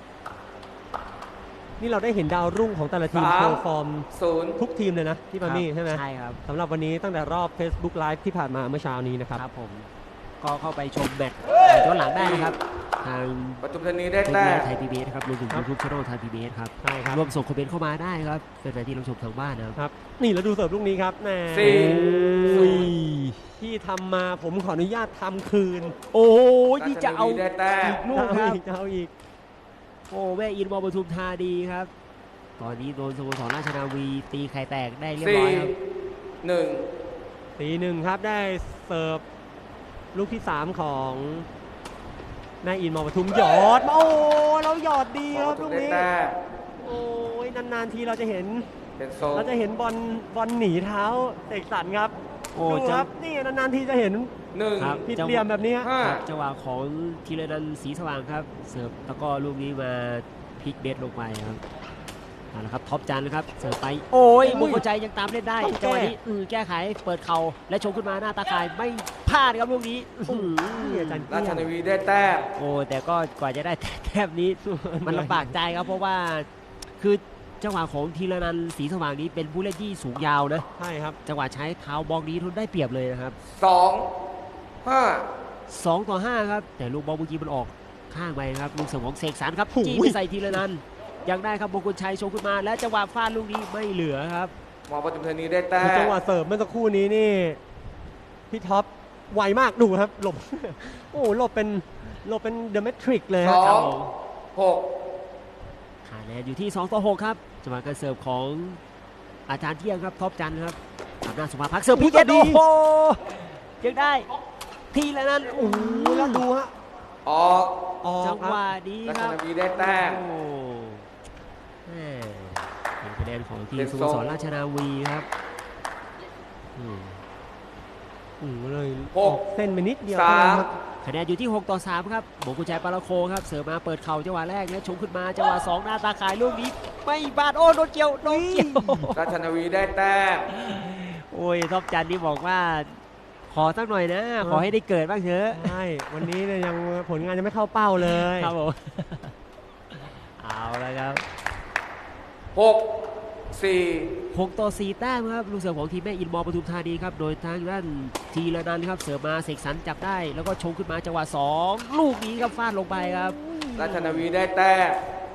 [SPEAKER 3] นี่เราได้เห็นดาวรุ่งของแต่ละทีม
[SPEAKER 2] สาม
[SPEAKER 3] โชว์ฟอร์ม
[SPEAKER 2] ศูนย์
[SPEAKER 3] ทุกทีมเลยนะที่ปามี่ใช่ไหม
[SPEAKER 1] ใช่ครับ
[SPEAKER 3] สำหรับวันนี้ตั้งแต่รอบ Facebook Live ที่ผ่านมาเมื่อเช้านี้นะครับ
[SPEAKER 1] ครับผมก็เข้าไปชมแมตช์ย้อนหลังได้นะครับทาง
[SPEAKER 2] ปทุมธานีได้
[SPEAKER 1] เฟซ
[SPEAKER 2] แต้
[SPEAKER 1] บุ๊
[SPEAKER 2] ม
[SPEAKER 1] กไทยพีบีเอสครับรวมถึง
[SPEAKER 3] ครับ
[SPEAKER 1] ยูทูบช่องไทยพีบีเอสครับ
[SPEAKER 3] ใช่ครับ
[SPEAKER 1] รวมส่งคอมเมนต์เข้ามาได้ครับเป็นแฟนที่รับชมทางบ้านนะครับ
[SPEAKER 3] ครับ นี่แล้วดูเสิร์ฟลูกนี้ครับแหม
[SPEAKER 2] สี่
[SPEAKER 3] โอ้ยที่ทำมาผมขออนุญาตทำคืน
[SPEAKER 1] โอ้ย
[SPEAKER 2] รา
[SPEAKER 1] นี่
[SPEAKER 2] ช
[SPEAKER 1] จะ
[SPEAKER 2] นา
[SPEAKER 1] เอา
[SPEAKER 2] วีได้แต้ม
[SPEAKER 1] อีกลูกครับ
[SPEAKER 3] จะเอาอีกจะเอาอีก
[SPEAKER 1] โอ้แม่อินมอปทุมธานีครับ ตอนนี้โดนสโมสรราชนาวีตีไข่แตกได้เรียบ
[SPEAKER 2] สี่
[SPEAKER 1] ร้อยครับ
[SPEAKER 2] หนึ่ง
[SPEAKER 3] ตีหนึ่งครับได้เสิร์ฟลูกที่สามของนายอินมอปทุมหยอดมาโอ้เราหยอดดี
[SPEAKER 2] ป
[SPEAKER 3] ครับ
[SPEAKER 2] ทุ
[SPEAKER 3] ลู
[SPEAKER 2] ม
[SPEAKER 3] ก
[SPEAKER 2] ได้
[SPEAKER 3] นี้
[SPEAKER 2] แต้ม
[SPEAKER 3] โอ้ยนานๆทีเราจะเห็น
[SPEAKER 2] เป็นทรง
[SPEAKER 3] เราจะเห็นบอลบอลหนีเท้าเตะสันครับ
[SPEAKER 1] โอ้
[SPEAKER 3] ดู
[SPEAKER 1] จั
[SPEAKER 3] ค
[SPEAKER 1] ง
[SPEAKER 3] รับนี่นานๆทีจะเห็น
[SPEAKER 2] หนึ่ง
[SPEAKER 1] ครับ
[SPEAKER 3] ผิดเหลี่ยมแบบนี้
[SPEAKER 2] ห้า
[SPEAKER 1] ครับจังหวะของธีรนันท์ศรีสว่างครับ เสิร์ฟแล้วก็ลูกนี้มาพลิกเบสลงไปครับเอาละครับท็อปจันนะครับเสิร์ฟไปโอ้ย
[SPEAKER 3] อุ้
[SPEAKER 1] บุ
[SPEAKER 3] ย
[SPEAKER 1] กใจยังตามเล่นได้
[SPEAKER 3] ต้องแก้
[SPEAKER 1] จังหวะนี้อือแก้ไขเปิดเข่าและชงขึ้นมาหน้าตาข่ายไม่พลาดครับลูกนี้อื้อหือ
[SPEAKER 3] นี่อาจารย์เก
[SPEAKER 2] รา
[SPEAKER 3] ลี้
[SPEAKER 2] ช
[SPEAKER 3] ยง
[SPEAKER 2] นาวีได้แต้ม
[SPEAKER 1] โอ้แต่ก็กว่าจะได้แต้มนี้ มันลำบากใจครับเพราะว่าคือจังหวะของธีรนันท์ศรีสว่างนี้เป็นผู้เล่นที่สูงยาวนะ
[SPEAKER 3] ใช่ครับ
[SPEAKER 1] จังหวะใช้เท้าบล็อกนี้ทุนได้เปรียบเลยนะครับ
[SPEAKER 2] สองห้า
[SPEAKER 1] สองต่อห้าครับแต่ลูกบอลเมื่อกี้มันออกข้างไปครับลูกเสิร์ฟของเสกสรรครับ
[SPEAKER 3] โอ้โห
[SPEAKER 1] จี้ไปใส่ธีรนันท์ยังได้ครับมงคลชัยโชว์ขึ้นมา และจังหวะฟาดลูกนี้ไม่เหลือครับ
[SPEAKER 2] มอปทุมธานีได้แต้
[SPEAKER 3] คือจัง
[SPEAKER 2] ม
[SPEAKER 3] หวะเสิร์ฟเมื่อสักครู่นี้นี่พี่ท็อปไวมากดูครับหลบ โอ้หลบเป็นหลบเป็นเดอะแมทริกเลย
[SPEAKER 2] ส
[SPEAKER 3] ฮะ
[SPEAKER 2] อ
[SPEAKER 1] ครั
[SPEAKER 2] ง
[SPEAKER 1] บผม
[SPEAKER 2] หก
[SPEAKER 1] คะแนนอยู่ที่สองต่อหกครับจังหวะการเสิร์ฟของอาจารย์เที่ยงครับท็อปจันทร์ครับอำนาจสุภาพักเสิร์ฟพิเกตโอ้โหยังได้ทีละนั้นโอ้โห
[SPEAKER 3] โอ้แล้วดูฮะ
[SPEAKER 2] ออก
[SPEAKER 3] ออก
[SPEAKER 1] จัง
[SPEAKER 3] ครั
[SPEAKER 1] ห
[SPEAKER 3] บ
[SPEAKER 1] วะนี้
[SPEAKER 2] รา
[SPEAKER 1] ค
[SPEAKER 2] ช
[SPEAKER 1] รับ
[SPEAKER 2] นาวีได้แต้ม
[SPEAKER 1] โอ้แม่เป็นคะแนนของทีม
[SPEAKER 2] เป็น
[SPEAKER 1] ส
[SPEAKER 2] ท
[SPEAKER 1] โม
[SPEAKER 2] รง
[SPEAKER 1] สรราชนาวีครับอืม
[SPEAKER 3] อืมเลย
[SPEAKER 2] ห
[SPEAKER 3] อก อกเส้นไปนิดเดียว
[SPEAKER 2] สา
[SPEAKER 3] เท่านั้น
[SPEAKER 2] ม
[SPEAKER 3] ครับ
[SPEAKER 1] คะแนนอยู่ที่หกต่อสามครับหมงกุญแจปาราโคครับเสิร์ฟมาเปิดเข่าจังหวะแรกแล้วชงขึ้นมาจังหวะสองหน้าตาขายลูกนี้ไม่บาดโอ้โดนเกี่ยวโดนเกี่ยว
[SPEAKER 2] ราชนาวีได้แต้ม
[SPEAKER 1] โอ้ยท็อปจันนี่บอกว่า ขอสักหน่อยนะ ขอให้ได้เกิดบ้างเถอะ
[SPEAKER 3] ใช่วันนี้เนี่ยยังผลงานยังไม่เข้าเป้าเลย
[SPEAKER 1] ครับผม เอาละครับ
[SPEAKER 2] หกสี่
[SPEAKER 1] หกต่อสี่แต้มครับลูกเสิร์ฟของทีมแม่อินมอปทุมธานีครับโดยทางด้านทีละนันท์ครับเสิร์ฟมาเสกสรรจับได้ แล้วก็ชงขึ้นมาจังหวะสองลูกนี้ครับฟาดลงไปครับ
[SPEAKER 2] ราชนาวีได้แต้ม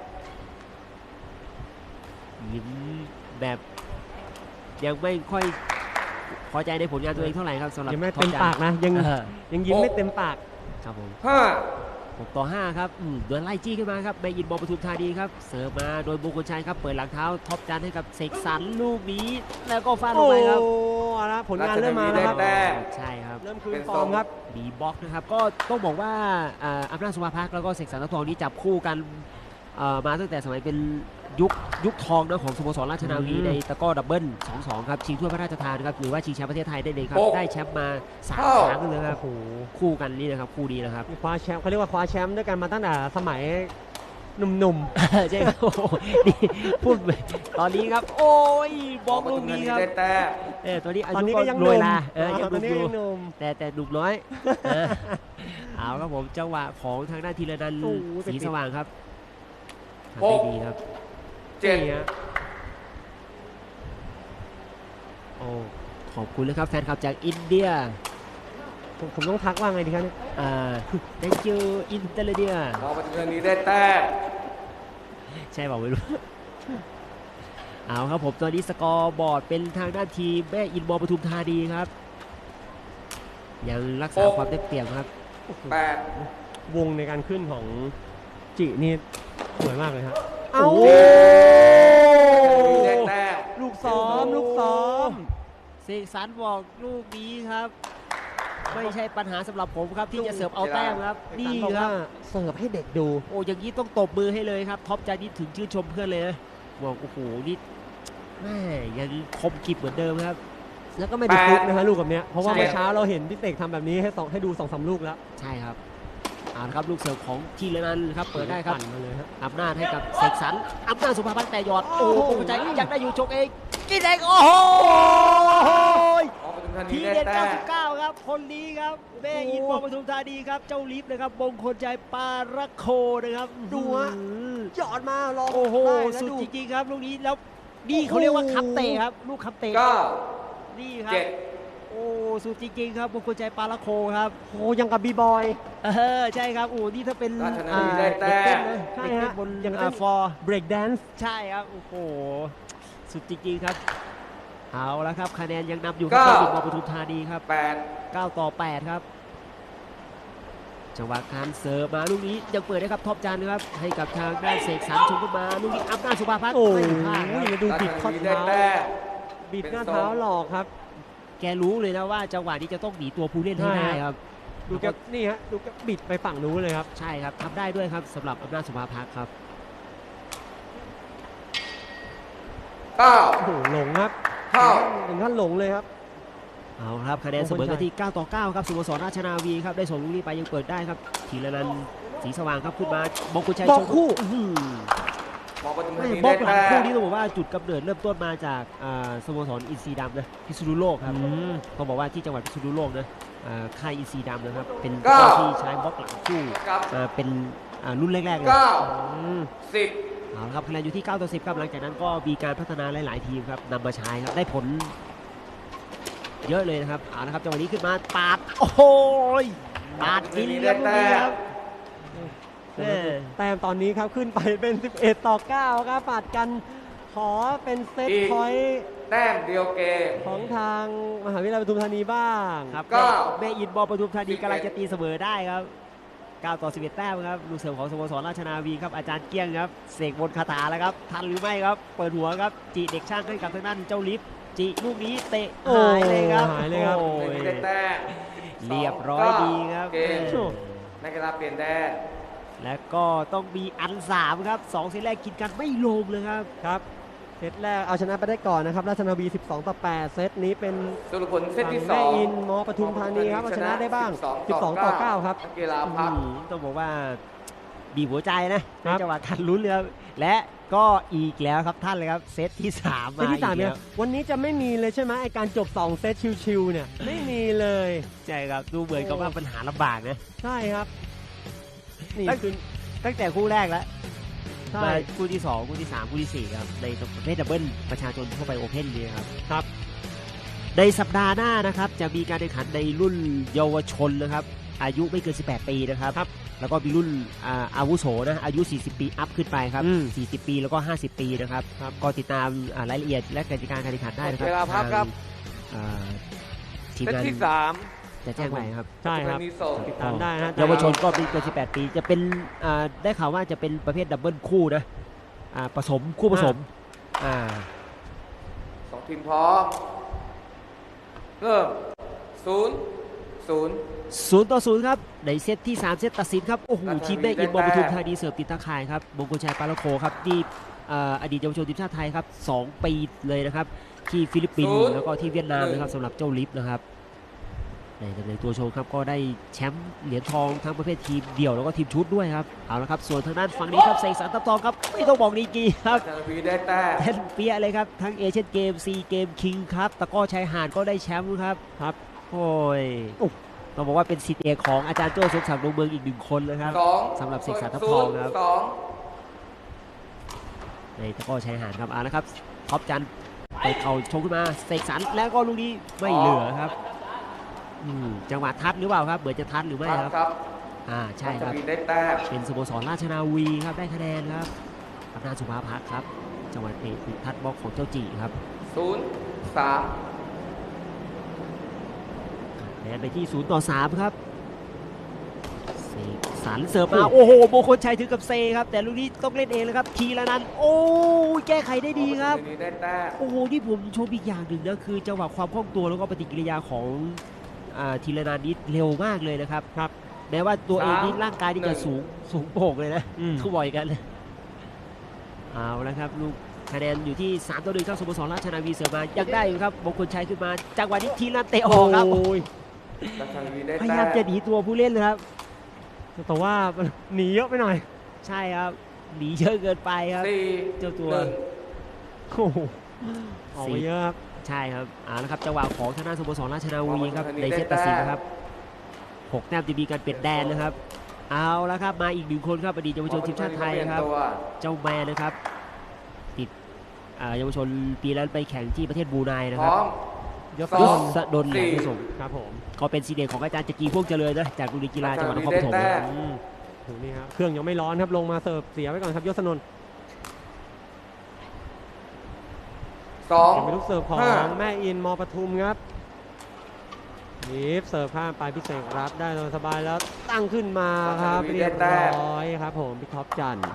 [SPEAKER 1] ยิ้มแบบยังไม่ค่อยพอใจในผลงานตัวเองเท่าไหร่ครับสำหรับ
[SPEAKER 3] ยังไม่
[SPEAKER 1] ท็อ
[SPEAKER 3] เต็ม
[SPEAKER 1] จัน
[SPEAKER 3] ปากนะยัง
[SPEAKER 1] เออ
[SPEAKER 3] ยังยิ้มไม่เต็มปาก
[SPEAKER 1] ครับผม
[SPEAKER 2] ห้า
[SPEAKER 1] หกต่อห้าครับอืมโดนไล่จี้ขึ้นมาครับแม่อินมอปทุมธานีครับเสิร์ฟมาโดยมงคลชัยครับเปิดหลังเท้าท็อปจันให้กับเสกสรรลูกนี้แล้วก็ฟาดลง
[SPEAKER 3] โอ้
[SPEAKER 1] ไปครับ
[SPEAKER 3] เอาละผลงานเริ่มมาแล้วครับ
[SPEAKER 2] แต้ม
[SPEAKER 1] ใช่ครับ
[SPEAKER 3] เริ่มคืนฟอร์มครับ
[SPEAKER 1] มีบล็อกนะครับก็ต้องบอกว่าอ่าอำนาจสุภาพักแล้วก็เสกสรรทัพทองนี้จับคู่กันเอ่อมาตั้งแต่สมัยเป็นยุคยุคทองนะของสโมสรราชนาวี
[SPEAKER 3] อืม
[SPEAKER 1] ในตะกร้อดับเบิล สองสอง ครับชิงถ้วยพระราชทานครับหรือว่าชิงแชมป์ประเทศไทยได้เลยครับ
[SPEAKER 2] หก
[SPEAKER 1] ได้แชมป์มาสาม
[SPEAKER 2] เท่า
[SPEAKER 1] ครั้งเลยครับ
[SPEAKER 3] โอ้โห
[SPEAKER 1] คู่กันนี่นะครับคู่นี้นะครับ
[SPEAKER 3] คว้าแชมป์เขาเรียกว่าคว้าแชมป์ด้วยกันมาตั้งแต่สมัยหนุ่ม
[SPEAKER 1] ใช่ครับโอ้โหนี่พูดไปตอนนี้ครับ โอ้ยบล็อกลูกนี้ครับ
[SPEAKER 2] ได้แต้ม
[SPEAKER 1] เออตอนนี้อา
[SPEAKER 3] ๆตอน
[SPEAKER 1] ยุ
[SPEAKER 3] นี้
[SPEAKER 1] ก็
[SPEAKER 3] ก็ยังห
[SPEAKER 1] โร
[SPEAKER 3] นุ่
[SPEAKER 1] ย
[SPEAKER 3] ม
[SPEAKER 1] ลาเออยังห
[SPEAKER 3] ตอ
[SPEAKER 1] นุ่
[SPEAKER 3] น
[SPEAKER 1] ม
[SPEAKER 3] นี้
[SPEAKER 1] อยู่
[SPEAKER 3] ยังหนุ่ม
[SPEAKER 1] แต่แต่หนุ่มน้อยเออเอาครับผมจังหวะของทางด้านธีรนันท์
[SPEAKER 3] โอ้โห
[SPEAKER 1] สีสว่างครับทำ
[SPEAKER 2] ห
[SPEAKER 1] ได้
[SPEAKER 2] ก
[SPEAKER 1] ดีครับ
[SPEAKER 2] เจ็ด
[SPEAKER 3] นี่ฮะ
[SPEAKER 1] โอ้ขอบคุณนะครับแฟนคลับจากอินเดีย
[SPEAKER 3] ผมผมต้องทักว่าไงดีครับเนี่ย
[SPEAKER 1] อ่า thank you อินเตอร์เดีย
[SPEAKER 2] มองปทุมธานีได้แต้ม
[SPEAKER 1] ใช่เปล่าไม่รู้ เอาครับผมตอนนี้สกอร์บอร์ดเป็นทางด้านทีมแม่อินมอปทุมธานีครับ ยังรักษาความได้เปรียบครับ
[SPEAKER 2] แปด
[SPEAKER 3] วงในการขึ้นของจินี่สวยมากเลยครับ
[SPEAKER 1] เอ้า
[SPEAKER 3] โอ้
[SPEAKER 2] ได้แต้ม
[SPEAKER 3] ลูกซ้อมลูกซ้อม
[SPEAKER 1] เสกสรรบอกลูกนี้ครับ ไม่ใช่ปัญหาสำหรับผมครับ ที่จะเสิร์ฟเอาแต้มครับ นี่
[SPEAKER 3] บอก
[SPEAKER 1] ครั
[SPEAKER 3] ว่า
[SPEAKER 1] บ
[SPEAKER 3] เสิร์ฟให้เด็กดู
[SPEAKER 1] โอ้อย่างนี้ต้องตบมือให้เลยครับ ท็อปจานิดถึงชื่นชมเพื่อนเลยนะบอกโอ้โหนี่แม่ยังคมกริบเหมือนเดิมครับ
[SPEAKER 3] แล้วก็ไม่ได้ฟุกนะฮะลูกแบบเนี้ยเพราะว่า
[SPEAKER 1] ใช่
[SPEAKER 3] เมื่อเช้าเราเห็นพี่เสกทำแบบนี้ให้สองให้ดูสองสามลูกแล้ว
[SPEAKER 1] ใช่ครับเอาละครับลูกเสิร์ฟของทีละนันท์ครับเปิดได้ครับ
[SPEAKER 3] ปั่นมาเลยฮะ
[SPEAKER 1] อำนาจให้กับเสกสรรอำนาจสุภาพันธ์แต่หยอด โอ้
[SPEAKER 3] โอ้
[SPEAKER 1] โห
[SPEAKER 3] โห
[SPEAKER 1] ใจอยากได้อยู่ชกเองกินเองโอ้โห
[SPEAKER 2] มองปทุมธานี
[SPEAKER 1] ที
[SPEAKER 2] ได้
[SPEAKER 1] เด็ด
[SPEAKER 2] แต้ม
[SPEAKER 1] เก้าสิบเก้าครับคนนี้ครับแม่อินมอปทุมธานีครับเจ้าลิฟต์นะครับมงคลใจปาระโคนะครับ
[SPEAKER 3] ดูฮะ
[SPEAKER 1] อื้อหือ
[SPEAKER 3] หยอดมาลอง
[SPEAKER 1] โอ้โห
[SPEAKER 3] ได้แล้ว
[SPEAKER 1] สุด
[SPEAKER 3] ดู
[SPEAKER 1] จริงๆครับลูกนี้แล้วนี่เขาเรียกว่าคับเตะครับลูกคับเตะ
[SPEAKER 2] เก้า
[SPEAKER 1] นี่ครับ
[SPEAKER 2] เจ็ด
[SPEAKER 1] โอ้สุดจริงๆครับมงคลใจปาระโคครับ
[SPEAKER 3] โอ้ยังกับบีบอย
[SPEAKER 1] เออใช่ครับโอ้นี่ถ้าเป็น
[SPEAKER 2] ราชนา
[SPEAKER 1] อ่า
[SPEAKER 2] วีได้
[SPEAKER 1] เด็
[SPEAKER 2] แต้
[SPEAKER 1] กเต้น
[SPEAKER 2] ม
[SPEAKER 1] นะ
[SPEAKER 3] ใช่
[SPEAKER 1] เด็กเต้
[SPEAKER 3] ฮะ
[SPEAKER 1] นบน
[SPEAKER 3] ยัง
[SPEAKER 1] อ่า
[SPEAKER 3] เต้น
[SPEAKER 1] ฟอร์
[SPEAKER 3] เบรกแดนซ์
[SPEAKER 1] ใช่ครับโอ้โหสุดจริงๆครับเอาละครับคะแนนยังนำอยู่ครับ
[SPEAKER 2] เก้า
[SPEAKER 1] ทีมปทุมธานีครับ
[SPEAKER 2] แปด
[SPEAKER 1] เก้าต่อแปดครับจังหวะการเสิร์ฟมาลูกนี้ยังเปิดได้ครับท็อปจันครับให้กับทางด้านเสกสรรชงขึ้นมาลูกนี้อำนาจสุภาพัฒน์
[SPEAKER 3] โอ้
[SPEAKER 1] ไม่
[SPEAKER 3] ย
[SPEAKER 1] พลาดครับ
[SPEAKER 3] แล้วดู
[SPEAKER 2] ราช
[SPEAKER 3] บิด
[SPEAKER 2] นา
[SPEAKER 3] ข้อ
[SPEAKER 2] วีได้
[SPEAKER 3] เท้า
[SPEAKER 2] แต้ม
[SPEAKER 3] บิดหน้าเท้าหลอกครับ
[SPEAKER 1] แกรู้เลยนะว่าจังหวะนี้จะต้องหนีตัวผู้เล่นให้
[SPEAKER 3] ใช่
[SPEAKER 1] ได้ครับ
[SPEAKER 3] ดูแกนี่ฮะดูแกบิดไปฝั่งนู้นเลยครับ
[SPEAKER 1] ใช่ครับทำได้ด้วยครับสำหรับอำนาจสุภาพัฒน์ครับ
[SPEAKER 2] เก้า
[SPEAKER 3] โอ้โหหลงครับ
[SPEAKER 2] เท่า
[SPEAKER 3] ถึงขั้นหลงเลยครับ
[SPEAKER 1] เอาครับคะแนนเสมอกันที่ เก้าต่อเก้าครับสโมสรราชนาวีครับได้ส่งลูกนี้ไปยังเปิดได้ครับทีละนันท์สีสว่างครับขึ้นมาบงกุลชัย
[SPEAKER 3] บล็
[SPEAKER 1] ช
[SPEAKER 3] อก
[SPEAKER 1] ง
[SPEAKER 3] คู่
[SPEAKER 1] อื้อหือ
[SPEAKER 2] มองปทุมธา
[SPEAKER 1] ไม่
[SPEAKER 2] นี
[SPEAKER 1] บล็
[SPEAKER 2] ได้
[SPEAKER 1] อกหลัง
[SPEAKER 2] แต้
[SPEAKER 1] คู่
[SPEAKER 2] ม
[SPEAKER 1] นี้ต้องบอกว่าจุดกำเนิดเริ่มต้นมาจากอ่าสโมสรอินทรีดำนะพิษณุโลกครับ
[SPEAKER 3] อืม
[SPEAKER 1] ต้องบอกว่าที่จังหวัดพิษณุโลกนะอ่าค่ายอินทรีดำนะครับเป็น
[SPEAKER 2] เก้า
[SPEAKER 1] ที่ใช้บล็อกหลังคู่
[SPEAKER 2] กับ
[SPEAKER 1] อ่าเป็นอ่ารุ่นแรกๆเลย
[SPEAKER 2] เก้า
[SPEAKER 3] อืม
[SPEAKER 2] สิบ
[SPEAKER 1] เอาละครับคะแนนอยู่ที่ เก้าต่อสิบครับหลังจากนั้นก็มีการพัฒนาหลายๆทีมครับนำมาใช้ครับได้ผลเยอะเลยนะครับเอาละครับจังหวะนี้ขึ้นมาปาดโอ้โหยปาดกินเลี้ยงลูกนี้ครับแม่
[SPEAKER 3] แต้มตอนนี้ครับขึ้นไปเป็น สิบเอ็ด ต่อ เก้า ครับปาดกันขอเป็นเซตพอยต์
[SPEAKER 2] แต้มเดียวเกม
[SPEAKER 3] ของทางมหาวิทยาลัยปทุมธานีบ้าง
[SPEAKER 1] ครับ
[SPEAKER 2] เก้า
[SPEAKER 1] แม่อินบอลปทุมธานี
[SPEAKER 2] สิบเอ็ด
[SPEAKER 1] กำลังจะตีเสมอได้ครับเก้าต่อสิบเอ็ดแต้มครับลูกเสริมของสโมสรราชนาวีครับอาจารย์เกี้ยงครับเสกบนคาถาแล้วครับทันหรือไม่ครับเปิดหัวครับจีเด็กช่างให้กับทางด้านเจ้าลิฟต์จีลูกนี้เตะ
[SPEAKER 3] โอ้
[SPEAKER 1] หายเลยครับ
[SPEAKER 3] หายเลยครับ
[SPEAKER 1] โอ้
[SPEAKER 2] ไม่
[SPEAKER 1] ย
[SPEAKER 2] ได้แต้ม
[SPEAKER 1] เรียบร้อยดีครับ
[SPEAKER 2] เกม
[SPEAKER 3] โอ้
[SPEAKER 2] นักกีฬาเปลี่ยนแดน
[SPEAKER 1] แล้วก็ต้องมีอันสามครับสองเซตแรกกินกันไม่ลงเลยครับ
[SPEAKER 3] ครับเซตแรกเอาชนะไปได้ก่อนนะครับราชนาวี สิบสอง ต่อ แปด เซตนี้เป็น
[SPEAKER 2] สรุปผลเซต
[SPEAKER 3] ฝั่ง
[SPEAKER 2] ที่ส
[SPEAKER 3] แม่
[SPEAKER 2] อง
[SPEAKER 3] อินมอปทุมธานีครับเอาชนะได้บ้าง สิบสอง ต่อ เก้า ครับ
[SPEAKER 2] นักกีฬาพัก
[SPEAKER 1] อืมต้องบอกว่าบีบหัวใจนะ
[SPEAKER 3] ค
[SPEAKER 1] ใน
[SPEAKER 3] รับ
[SPEAKER 1] จังหวะทันลุ้นเลยครับและก็อีกแล้วครับท่านเลยครับเซตที่สาม
[SPEAKER 3] เซ
[SPEAKER 1] มา
[SPEAKER 3] ตที่สาม
[SPEAKER 1] อีก
[SPEAKER 3] เนี่
[SPEAKER 1] แล้
[SPEAKER 3] ยว วันนี้จะไม่มีเลยใช่ไหมไอการจบ สอง เซตชิวๆเนี่ยไม่มีเลย
[SPEAKER 1] ใช่ครับดูเหมือนกับว่าปัญหาลำบากนะ
[SPEAKER 3] ใช่ครับนี่
[SPEAKER 1] ตั้ง
[SPEAKER 3] คือ
[SPEAKER 1] ตั้งแต่คู่แรกแล้ว
[SPEAKER 3] ใช่
[SPEAKER 1] มาคู่ที่สองคู่ที่สามคู่ที่สี่ครับในประเภทดับเบิลประชาชนทั่วไปโอเพ่นนี่ครับ
[SPEAKER 3] ครับ
[SPEAKER 1] ในสัปดาห์หน้านะครับจะมีการแข่งขันในรุ่นเยาวชนนะครับอายุไม่เกินสิบแปดปีนะครับ
[SPEAKER 3] ครับ
[SPEAKER 1] แล้วก็มีรุ่นอ่าอาวุโสนะอายุ สี่สิบ ปีอัพขึ้นไปครับ
[SPEAKER 3] อืม
[SPEAKER 1] สี่สิบ ปีแล้วก็ ห้าสิบ ปีนะครับก็ติดตามอ่ารายละเอียดและกติกาการแข่งขันได้นะครับ
[SPEAKER 2] เวลาพักครับ
[SPEAKER 1] ทางอ่าทีม
[SPEAKER 2] เซต
[SPEAKER 1] งาน
[SPEAKER 2] ที่สาม
[SPEAKER 1] จะแจ้งไว้ครับ
[SPEAKER 3] ใช่ครับ
[SPEAKER 2] ปทุมธานีส่ง
[SPEAKER 3] ติดตามได้นะ
[SPEAKER 1] เยาวชนก็ไม่เกินสิบแปด ปีจะเป็นอ่าได้ข่าวว่าจะเป็นประเภทดับเบิลคู่นะอ่าผสมคู่ผสมอ่า
[SPEAKER 2] สองทีมพร้อม เริ่มศูนย์ศูนย์
[SPEAKER 1] ศูนย์ต่อศูนย์ครับในเซตที่สามเซตตัดสินครับโอ้โห
[SPEAKER 2] ราชนาวี
[SPEAKER 1] ทีมแม่อิน
[SPEAKER 2] ได้
[SPEAKER 1] บอลป
[SPEAKER 2] แต้ม
[SPEAKER 1] ทุมธานีเสิร์ฟติดตาข่ายครับมงคลชัยปาลโคครับที่เอ่ออดีตเยาวชนทีมชาติไทยครับสองปีเลยนะครับที่ฟิลิปปินส์แล้วก็ที่เวียดนามนะครับสำหรับเจ้าลิฟนะครับในตำแหน่งตัวโชว์ครับก็ได้แชมป์เหรียญทองทั้งประเภททีมเดี่ยวแล้วก็ทีมชุดด้วยครับเอาละครับส่วนทางด้านฝั่งนี้ครับเสกสรรทัพทองครับไม่ต้องบอกดีกรีครับ
[SPEAKER 2] ราชนาวีได้แต้ม
[SPEAKER 1] เล่นเปี้ยเลยครับทั้งเอเชียนเกมซีเกมคิงครับตะกร้อชายหาดก็ได้แชมป์ครับครับโอ้ยต้องบอกว่าเป็นศิษย์เอกของอาจารย์โจ้สมศักดิ์ดวงเมืองอีกหนึ่งคนเลยครับ
[SPEAKER 2] สอง
[SPEAKER 1] สำหรับเสกสรรทัพทองครับ
[SPEAKER 2] สอง
[SPEAKER 1] ในตะกร้อชายหาดครับเอาละครับท็อปจันทร์ไปเข่าชงขึ้นมาเสกสรรแล้วก็ลูกนี้ไม่เหลือครับอืมจังหวะทัดหรือเปล่าครับเหมือนจะทัดหรือไม่ครับ
[SPEAKER 2] ครับ
[SPEAKER 1] อ่าใช่ครับ
[SPEAKER 2] ราชนาวีได้แต้ม
[SPEAKER 1] เป็นสโมสรราชนาวีครับได้คะแนนครับอำนาจสุภาพักครับจังหวะเตะติดทัดบล็อกของเจ้าจีครับ
[SPEAKER 2] ศูนย์สาม
[SPEAKER 1] คะแนนไปที่ศูนย์ต่อสามครับเสกสรรเสิร์ฟมาโอ้โหโมงคลชัยถึงกับเซครับแต่ลูกนี้ต้องเล่นเองเลยครับทีละนันท์โอ้ยแก้ไขได้ดีครับ
[SPEAKER 2] ราชนาวีได้แต้ม
[SPEAKER 1] โอ้โหที่ผมชมอีกอย่างหนึ่งนะคือจังหวะความคล่องตัวแล้วก็ปฏิกิริยาของอ่าทีละนันท์นี่เร็วมากเลยนะครับครับแม้ว่าตัวเองนี่ร่างกายนี่จะสูงสูงโป่งเลยนะทุกบ่อยกันเลยเอาแล้วครับลูกคะแนนอยู่ที่สามต่อหนึ่งครับสโมสรราชนาวีเสิร์ฟมายังได้อยู่ครับมงคลชัยขึ้นมาจังหวะนี้ทีละนันท์เตะออกครับ
[SPEAKER 2] ราชนาวีได้
[SPEAKER 1] พ
[SPEAKER 2] แต้
[SPEAKER 1] ยายามจะหนีตัวผู้เล่นเลยครับ
[SPEAKER 3] แต่ว่าหนีเยอะไปหน่อย
[SPEAKER 1] ใช่ครับหนีเยอะเกินไปครับ
[SPEAKER 2] สี่
[SPEAKER 1] เจ้าตัว
[SPEAKER 2] หนึ่ง
[SPEAKER 3] โอ้โหออกไปเยอะครับ
[SPEAKER 1] ใช่ครับเอาละครับจังหวะของทางด้านสโมสรราชนาวีครับในเซตตัดสินนะครับหกแต้มจะมีการเปลี่ยนแดนนะครับเอาละครับมาอีกหนึ่งคนครับอดีตเยาวชนทีมชาติไทยนะครับ
[SPEAKER 2] ตัว
[SPEAKER 1] เจ้าแมนนะครับติดอ่าเยาวชนปีแล้วไปแข่งที่ประเทศบรูไนนะ
[SPEAKER 2] พ
[SPEAKER 1] ครั
[SPEAKER 2] ร้
[SPEAKER 1] บ
[SPEAKER 2] อม
[SPEAKER 3] ยศ
[SPEAKER 2] ส
[SPEAKER 1] ย
[SPEAKER 2] อง
[SPEAKER 1] ศดลแหลม
[SPEAKER 2] สี่
[SPEAKER 1] ผสม
[SPEAKER 3] ครับผม
[SPEAKER 1] ก็เป็นซีเด็กของอาจารย์จักรีพวกเจริญนะจากโรงเรียนกีฬาจังหวัดนครปฐม
[SPEAKER 2] ได้แต้
[SPEAKER 1] นะ
[SPEAKER 2] ม
[SPEAKER 3] อืมถึงนี่ครับเครื่องยังไม่ร้อนครับลงมาเสิร์ฟเสียไว้ก่อนครับยศนนท์
[SPEAKER 2] สอง
[SPEAKER 3] เป็นลูกเสิร์ฟของ
[SPEAKER 2] ห้า
[SPEAKER 3] แม่อินมอปทุมครับนีฟเสิร์ฟข้ามไปพิเศษรับได้สบายๆแล้วตั้งขึ้นมาครับเรียบร้อยครับผมพี่ท็อปจันทร์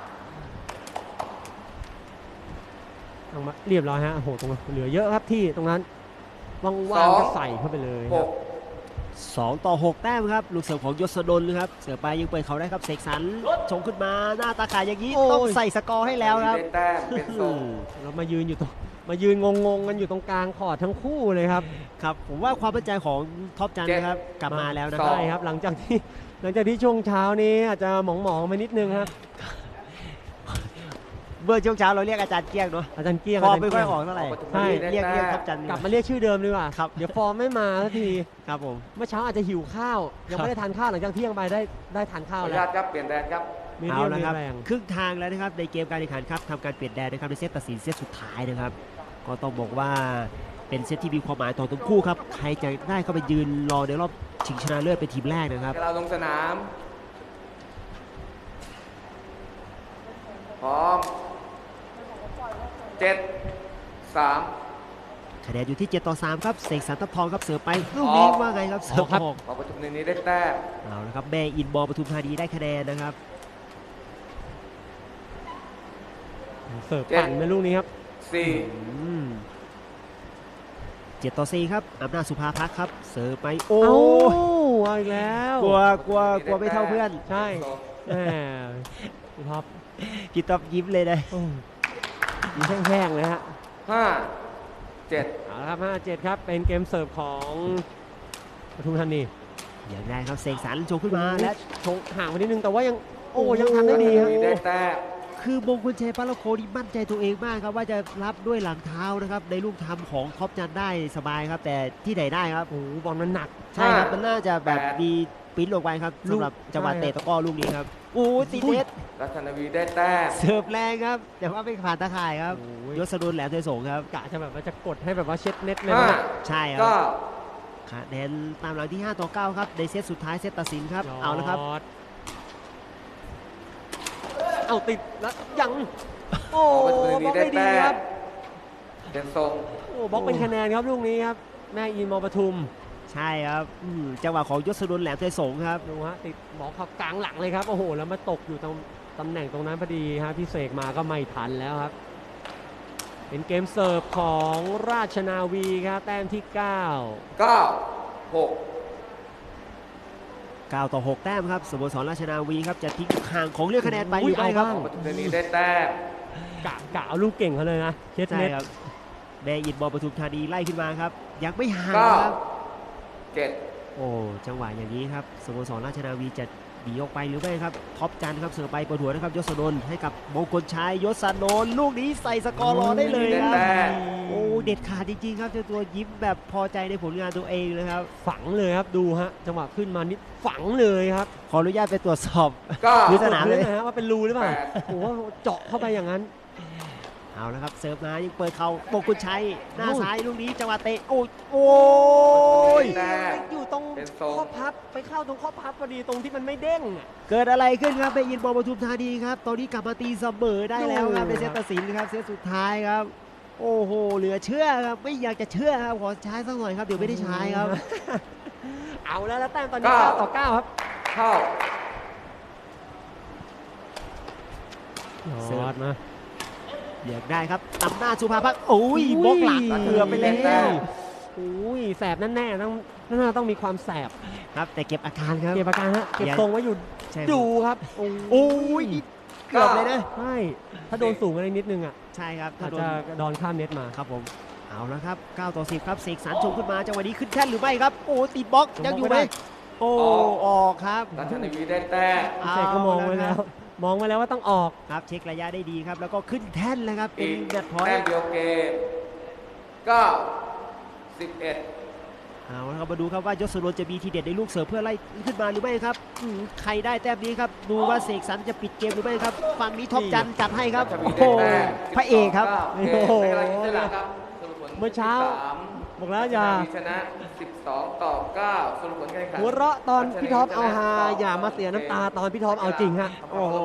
[SPEAKER 3] ตั้งมาเรียบร้อยฮะโอ้โหตรงนั้นเหลือเยอะครับที่ตรงนั้นว่างๆก็ใส่เข้าไปเลยค
[SPEAKER 2] ห
[SPEAKER 3] รับ
[SPEAKER 2] ก
[SPEAKER 1] สองต่อหกแต้มครับลูกเสิร์ฟของยศดลนะครับเสือไปยังเปิดเขาได้ครับเสกสรรชงขึ้นมาหน้าตาขายอย่างนี้ต้องใส่สกอร์ให้แล้วครับ
[SPEAKER 2] ได้แต้มเป็นทรง
[SPEAKER 3] แล้วมายืนอยู่ตรงมายืนงงๆกันอยู่ตรงกลางคอร์ดทั้งคู่เลยครับ
[SPEAKER 1] ครับผมว่าความมั่นใจของท็อปจันทร์นะครับกลับมาแล้วนะค
[SPEAKER 2] ส
[SPEAKER 1] รับ
[SPEAKER 2] อง
[SPEAKER 3] ใช่ครับหลังจากที่หลังจากที่ช่วงเช้านี้อาจจะหมองๆไปนิดนึงครับ
[SPEAKER 1] เมื่อช่วงเช้าเราเรียกอาจารย์เกี้ยงเนาะ
[SPEAKER 3] อาจารย์เกี้ยง
[SPEAKER 1] ฟอร์ม
[SPEAKER 3] าจาร
[SPEAKER 1] ไม่
[SPEAKER 3] ย์
[SPEAKER 1] ค่อย
[SPEAKER 3] เกี้ยง
[SPEAKER 1] ออกเท่าไหร่
[SPEAKER 3] ใช่
[SPEAKER 1] เรียกเรียกท็อปจันทร์
[SPEAKER 3] กลับมาเรียกชื่อเดิมดีกว่า
[SPEAKER 1] ครับ
[SPEAKER 3] เดี๋ยวฟอร์มไม่มาสักที
[SPEAKER 1] ครับผม
[SPEAKER 3] เมื่อเช้าอาจจะหิวข้าว ยังไม่ได้ทานข้าวหลังจากเที่ยงไปได้ได้ทาน
[SPEAKER 2] ขอ
[SPEAKER 3] ข้าว
[SPEAKER 2] อนุ
[SPEAKER 3] แล้
[SPEAKER 2] ญาว ตครับเปลี่ยนแดนครับ
[SPEAKER 3] มี
[SPEAKER 1] เอา
[SPEAKER 3] เรียว
[SPEAKER 1] ละ
[SPEAKER 3] มี
[SPEAKER 1] ครับ
[SPEAKER 3] แรง
[SPEAKER 1] ครึ่งทางแล้วนะครับในเกมการแข่งขันครับทำการเปลี่ยนแดนนะครับในเซตตัดสินเซตสุดท้ายนะครับก็ต้องบอกว่าเป็นเซตที่มีความหมายต่อทั้งคู่ครับใครจะได้เข้าไปยืนรอในรอบชิงชนะเลิศเป็นทีมแรกนะครับ
[SPEAKER 2] เราลงสนาม พร้อมเจ็ดสาม
[SPEAKER 1] คะแนนอยู่ที่เจ็ดต่อสามครับเสกสรรทัพทองครับเสิร์ฟไปลูกนี้ว่าไงครับเสิร์ฟออก
[SPEAKER 2] พอประตูนี้ได้แต้ม
[SPEAKER 1] เอาละครับแม่อินบอลปทุมธานีได้คะแนนนะครับ
[SPEAKER 3] เสิร์ฟปั่นในลูกนี้ครับ
[SPEAKER 2] สี่
[SPEAKER 1] อืมเจ็ดต่อสี่ครับอำนาจสุภาพักครับเสิร์ฟไปโอ้
[SPEAKER 3] โอ้เอาอีกแล้ว
[SPEAKER 1] กลัวกลัวกลัวไม่เท่าเพื่อน
[SPEAKER 3] ใช่แหมพี่ท็อป
[SPEAKER 1] พี่ต๊อบยิ้มเลยนะ
[SPEAKER 3] อืมมีแห้งๆเลยฮะ
[SPEAKER 2] ห้าเจ็ด
[SPEAKER 3] เอาละครับห้าเจ็ดครับเป็นเกมเสิร์ฟของปทุมธานี
[SPEAKER 1] อย่างไรครับเสกสรรโชว์ขึ้นมาและ
[SPEAKER 3] ชงห่างไปนิดนึงแต่ว่ายังโอ้ยังทำได้ดีครับ
[SPEAKER 2] ได้แต้ม
[SPEAKER 1] คือมงคลชัยปาละโคนี่มั่นใจตัวเองมากครับว่าจะรับด้วยหลังเท้านะครับในลูกทำของท็อปจันได้สบายครับ แต่ที่ไหนได้ครับ
[SPEAKER 3] โอ้โหบอลมันหนัก
[SPEAKER 1] ใช่ครับมันน่าจะแบบมีปริ้นลงไปครับสำหรับจังหวะเตะตะกร้อลูกนี้ครับโอ้ตีเน็ต
[SPEAKER 2] รัชนาวีได้แต้ม
[SPEAKER 1] เสิร์ฟแรงครับ แต่ว่าไม่ผ่านตาข่ายครับ
[SPEAKER 3] โอ้ย
[SPEAKER 1] ยศดุลแหลมเทยสงครับ
[SPEAKER 3] กะจะแบบว่าจะกดให้แบบว่าเช็ดเน็ตเลย
[SPEAKER 2] ห้า
[SPEAKER 3] นะ
[SPEAKER 1] ใช่ครั
[SPEAKER 2] เก้า
[SPEAKER 1] บคะแนนตามหลังที่ห้าต่อเก้าครับในเซตสุดท้ายเซตตัดสินครับเอาละครับ
[SPEAKER 3] ยอดเอาติดแล้วยังโอ้
[SPEAKER 2] พอประตู
[SPEAKER 3] บล็
[SPEAKER 2] นี้
[SPEAKER 3] อก
[SPEAKER 2] ได้
[SPEAKER 3] ได้ดี
[SPEAKER 2] แต้
[SPEAKER 3] ครั
[SPEAKER 2] ม
[SPEAKER 3] บ
[SPEAKER 2] เป็นทรง
[SPEAKER 3] โอ้บล็อกเป็นคะแนนครับลูกนี้ครับแม่อินมอปทุม
[SPEAKER 1] ใช่ครับอืมจังหวะของยศดุลแหลมเทยสงครับ
[SPEAKER 3] ดูฮะติดบล็อกครับกลางหลังเลยครับโอ้โหแล้วมาตกอยู่ตรงตำแหน่งตรงนั้นพอดีฮะพี่เสกมาก็ไม่ทันแล้วครับ เป็นเกมเสิร์ฟของราชนาวีครับแต้มที่เก้า
[SPEAKER 2] เก้าหก
[SPEAKER 1] เก้าต่อหกแต้มครับสโมสรราชนาวีครับจะทิ้งห่างของเรื่องคะแนนไปหรือไม่ครับ
[SPEAKER 2] พอประตูนี้ได้แต้ม
[SPEAKER 3] กะกะเอาลูกเก่งเขาเลยนะเช็ด
[SPEAKER 1] ใช่
[SPEAKER 3] เน็ต
[SPEAKER 1] ครับแม่อินมอปทุมธานีไล่ขึ้นมาครับยังไม่ห่าง
[SPEAKER 2] เก้า
[SPEAKER 1] ครับ
[SPEAKER 2] เจ็ด
[SPEAKER 1] โอ้จังหวะอย่างนี้ครับสโมสรราชนาวีจะหนีออกไปหรือไม่ครับท็อปจันทร์ครับเสือไปเปิดหัวนะครับยศนนท์ให้กับมงคลชัยยศนนท์ลูกนี้ใส่สกอร์รอได้เลยครับ
[SPEAKER 2] แต้ม
[SPEAKER 1] โอ้เด็ดขาดจริงๆครับเจ้าตัวยิ้มแบบพอใจในผลงานตัวเองเลยครับ
[SPEAKER 3] ฝังเลยครับดูฮะจังหวะขึ้นมานิดฝังเลยครับ
[SPEAKER 1] ขออนุญาตไปตรวจสอบ
[SPEAKER 2] เก้า
[SPEAKER 1] พื้นสนามเลย
[SPEAKER 3] นะฮะว่าเป็นรูหรือเปล่า
[SPEAKER 2] แปด
[SPEAKER 3] โอ้โหเจาะเข้าไปอย่างนั้น
[SPEAKER 1] เอาละครับเสิร์ฟมายังเปิดเข่ามงคลชัยหน้า
[SPEAKER 3] โอ้
[SPEAKER 1] ซ้ายลูกนี้จังหวะเตะโอ้ยโอ้ย
[SPEAKER 2] แต้ม
[SPEAKER 3] อยู่ตรง
[SPEAKER 2] เป็นทรง
[SPEAKER 3] ข้อพับไปเข้าตรงข้อพับพอดีตรงที่มันไม่เด้งอะ
[SPEAKER 1] เกิดอะไรขึ้นครับไปอินบอลปทุมธานีครับตอนนี้กลับมาตีเสมอได้แล้วครับ
[SPEAKER 3] โอ้
[SPEAKER 1] ในเซตตัดสินครับเซตสุดท้ายครับ โอ้โหเหลือเชื่อครับไม่อยากจะเชื่อครับขอใช้สักหน่อยครับเดี๋ยวไม่ได้ใช้ครับ
[SPEAKER 3] เอาแล้วแล้วแต้มตอนนี้
[SPEAKER 2] เก้า
[SPEAKER 3] เก้าต่อเก้าครับ
[SPEAKER 2] เข้า
[SPEAKER 1] เสิร์ฟ
[SPEAKER 3] ยอดมา
[SPEAKER 1] เรียกได้ครับนำหน้าสุภาพักโอ้ยบล็อกหลังเกือบไปแล้
[SPEAKER 2] แต้
[SPEAKER 1] ว
[SPEAKER 2] ม
[SPEAKER 3] โอ้ยแสบแน่ๆต้องน่าต้องมีความแสบ
[SPEAKER 1] ครับแต่เก็บอาการครับ
[SPEAKER 3] เก็บอาการฮะเก็บ
[SPEAKER 1] ยัง
[SPEAKER 3] ทรงไว้อยู่
[SPEAKER 1] ใช่
[SPEAKER 3] ดูครับโอ้
[SPEAKER 1] โอ้ยนี่เกือบเลยนะ
[SPEAKER 3] ใช่ถ้าโดนสูงอะไรนิดนึงอ่ะ
[SPEAKER 1] ใช่ครับถ้า
[SPEAKER 3] อาจ
[SPEAKER 1] โดน
[SPEAKER 3] จะโดนข้ามเน็ตมา
[SPEAKER 1] ครับผมเอาละครับเก้าต่อสิบครับเสกสรรชงขึ้นมาจังหวะนี้ขึ้นแท่นหรือไม่ครับโอ้ติดบล็อกยังอยู่ไหมโอ้ออกครับ
[SPEAKER 2] ราชนาวีได้แต้ม
[SPEAKER 1] เอา
[SPEAKER 3] เสกก็มองไว้แล้ว มองไว้แล้วว่าต้องออก
[SPEAKER 1] ครับเช็คระยะได้ดีครับแล้วก็ขึ้นแท่นแล้วครับเป็
[SPEAKER 2] อี
[SPEAKER 1] น
[SPEAKER 2] ก
[SPEAKER 1] แมตช์พอย
[SPEAKER 2] แต้ม
[SPEAKER 1] ต์
[SPEAKER 2] เดียวเกมเก้าสิบเอ็ด
[SPEAKER 1] เอาละครับมาดูครับว่ายศนนท์จะมีทีเด็ดในลูกเสิร์ฟเพื่อไล่ขึ้นมาหรือไม่ครับอืมใครได้แต้มนี้ครับดูว่าเสกสรรจะปิดเกมหรือไม่ครับฝั่งนี้ท็อปจันทร์จัดให้ครับ
[SPEAKER 2] ราชนาวี
[SPEAKER 1] โอ้
[SPEAKER 2] ได้
[SPEAKER 1] โห
[SPEAKER 2] แต้ม
[SPEAKER 1] พระเอกครับ
[SPEAKER 2] สิบสองเก้าเกมในกำลังอิสระครับสรุปผล
[SPEAKER 3] เมื่อเช้า
[SPEAKER 2] ที่สาม
[SPEAKER 3] บอกแล้วอย่า
[SPEAKER 2] ราชนาวีชนะสิบสองต่อเก้าสรุปผลการแข่งขัน
[SPEAKER 3] หัวเราะตอนพี่ท็อปเอาฮาอย่ามาเสียน้ำตาตอนพี่ท็อปเอาจริงฮะ
[SPEAKER 2] โอ้โห